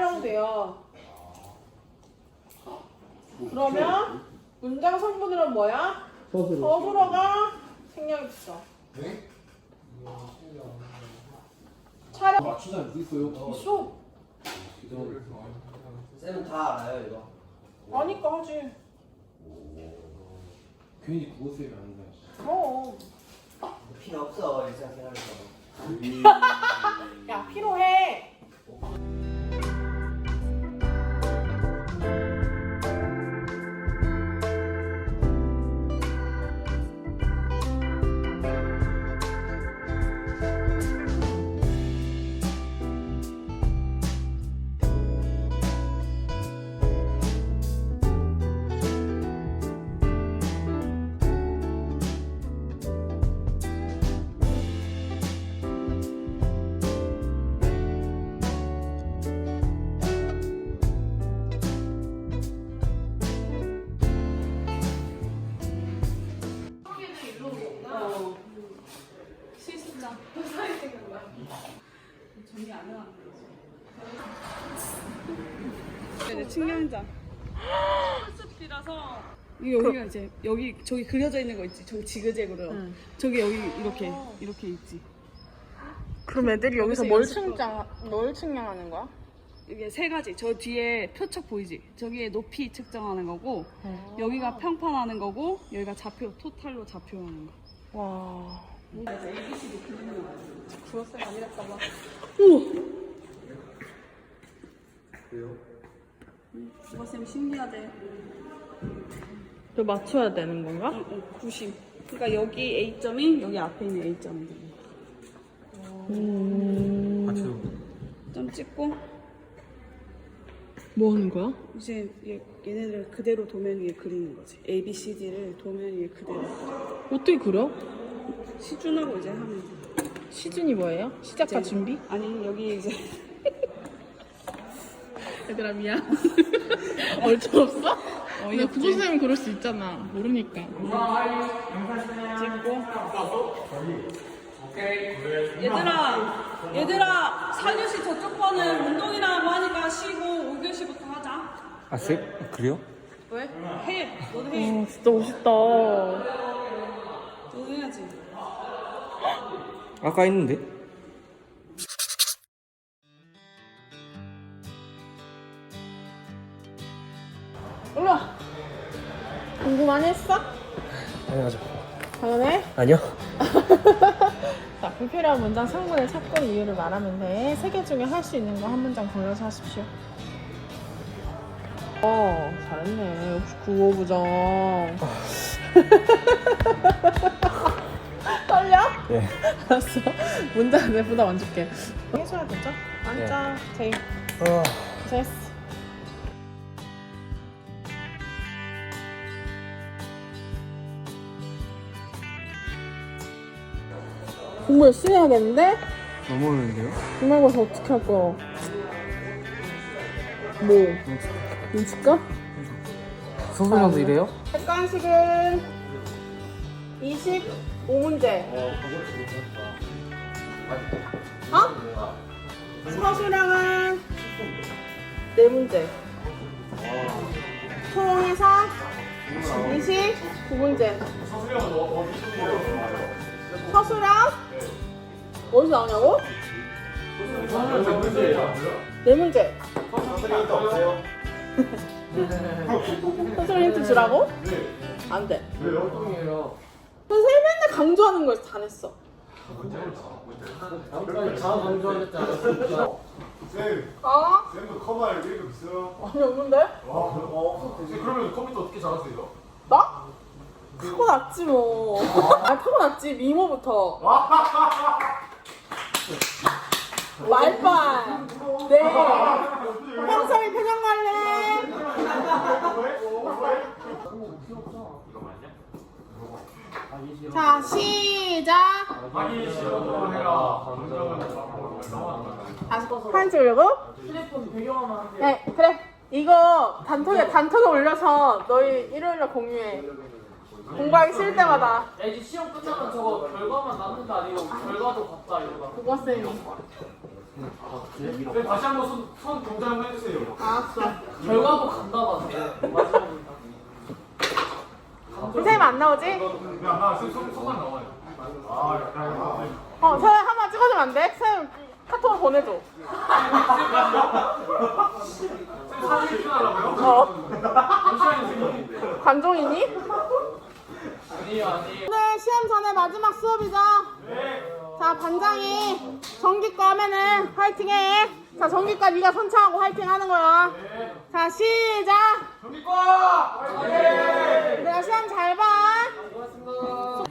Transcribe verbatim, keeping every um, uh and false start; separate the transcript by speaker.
Speaker 1: 활용돼요. 그러면 문장 성분으로는 뭐야?
Speaker 2: 서술어.
Speaker 1: 서술어가 생략 있어.
Speaker 2: 네?
Speaker 1: 촬영
Speaker 2: 맞춘 사람 누구 있어요?
Speaker 1: 있어.
Speaker 3: 쌤은 다 알아요 이거?
Speaker 1: 아니까 하지.
Speaker 2: 괜히 국어 쌤이 아닌가.
Speaker 1: 어.
Speaker 3: 필요 없어 일상생활에서.
Speaker 1: 야 필요해.
Speaker 4: 실습장. 정리 안 해놨네. 이제 측량장. 실습비라서 이 여기가 이제 여기 저기 그려져 있는 거 있지. 저기 지그재그로.
Speaker 1: 응.
Speaker 4: 저기 여기 이렇게 이렇게 있지.
Speaker 1: 그럼 애들이 여기서
Speaker 4: 여기서
Speaker 1: 뭘
Speaker 4: 연습
Speaker 1: 측량 뭘 측량하는 거야?
Speaker 4: 이게 세 가지. 저 뒤에 표척 보이지? 저기에 높이 측정하는 거고, 여기가 평판하는 거고, 여기가 좌표 토탈로 좌표하는 거.
Speaker 1: 와.
Speaker 4: 에이비씨디 그리는 거.
Speaker 1: 주어쌤 아니랬다 봐.
Speaker 2: 그래요?
Speaker 4: 국어쌤 신기하대.
Speaker 1: 또 맞춰야 되는 건가?
Speaker 4: 응, 응, 구십. 그러니까 여기 A점이 여기 앞에 있는 A점이잖아.
Speaker 1: 음.
Speaker 2: 맞춰요.
Speaker 4: 점 찍고
Speaker 1: 뭐 하는 거야?
Speaker 4: 이제 얘, 얘네들 그대로 도면 위에 그리는 거지. A, B, C, D를 도면 위에 그대로.
Speaker 1: 어떻게 그려?
Speaker 4: 시준하고 이제 하면 돼.
Speaker 1: 시준이 뭐예요? 시작과
Speaker 4: 이제-
Speaker 1: 준비?
Speaker 4: 아니 여기 이제
Speaker 1: 얘들아 미안. 얼추 없어? 나
Speaker 4: 어이없지.
Speaker 1: 구조쌤은 그럴 수 있잖아. 모르니까.
Speaker 4: 찍고. 얘들아, 얘들아, 사 교시 저쪽 거는 운동이라고 하니까 쉬고 오 교시부터 하자.
Speaker 2: 아 쌤? 그래요?
Speaker 4: 왜? 해. 너도 해.
Speaker 1: 아 진짜 멋있다.
Speaker 4: 너도 해야지.
Speaker 2: 아까 했는데?
Speaker 1: 올라. 공부 많이 했어?
Speaker 2: 당연하죠.
Speaker 1: 당연해.
Speaker 2: 아니요.
Speaker 1: 자, 불필요한 문장 성분을 찾고 이유를 말하면 돼. 세 개 중에 할 수 있는 거 한 문장 골라서 하십시오. 어, 잘했네. 역시 국어부장. 떨려?
Speaker 2: 네.
Speaker 1: 알았어. 문장 내 부담 안 줄게. 해줘야 되죠? 앉아. 제이.
Speaker 2: 어.
Speaker 1: 됐어. 공부 열심히 해야겠는데?
Speaker 2: 너무 어려운데요?
Speaker 1: 중말고사 어떻게 할 거야? 뭐? 눈치까?
Speaker 2: 소설형도 이래요?
Speaker 1: 객관식은 이십오 문제. 어? 서술형은 네 문제. 총해서 이십구 문제. 서술형 어디서 나오냐고? 네 문제. 선생님 힌트 주라고? 안 돼.
Speaker 2: 왜 엉뚱이에요?
Speaker 1: 선생님 맨날 강조하는 걸 다 냈어.
Speaker 2: 다음번에 다 강조하겠지 않았어요?
Speaker 5: 쌤,
Speaker 1: 어?
Speaker 5: 쌤도 커마를 읽고 있어요?
Speaker 1: 아니 없는데?
Speaker 5: 어, 쌤 그러면 컴퓨터 어떻게 잘하세요?
Speaker 1: 나? 타고났지 뭐. 아 타고났지 미모부터. 말빨. 네. 평소에 표정 관리. 자 시작.
Speaker 5: 하기 싫어도 해라.
Speaker 1: 다시 사진 찍으려고? 네 그래. 이거 단톡에 단톡에 올려서 너희 일요일날 공유해. 공부하기 싫을 때마다.
Speaker 6: 야 이제 시험 끝나면 저거 결과만 남는다 아니고 결과도 봤다 이러다.
Speaker 1: 국어쌤이.
Speaker 5: 네, 다시 한번 손, 손 동작 한번 해주세요.
Speaker 1: 알았어.
Speaker 2: 결과도 간다 봐.
Speaker 1: 선생님 안 나오지?
Speaker 5: 왜안 나와? 손, 손, 손만 나와요. 아, 약간.
Speaker 1: 어, 선생님 한번 찍어주면 안 돼? 선생님 카톡으로 보내줘.
Speaker 5: 쌤 사진 찍어달라고요?
Speaker 1: 어.
Speaker 5: 잠시만요, 선생님.
Speaker 1: 관종이니?
Speaker 2: 아니요 아니요.
Speaker 1: 오늘 시험 전에 마지막 수업이죠? 자, 반장이 전기과 하면은 화이팅해. 자, 전기과 네가 선창하고 화이팅 하는 거야. 자, 시작!
Speaker 5: 경기과!
Speaker 1: 내가 시험 잘 봐.
Speaker 2: 고맙습니다.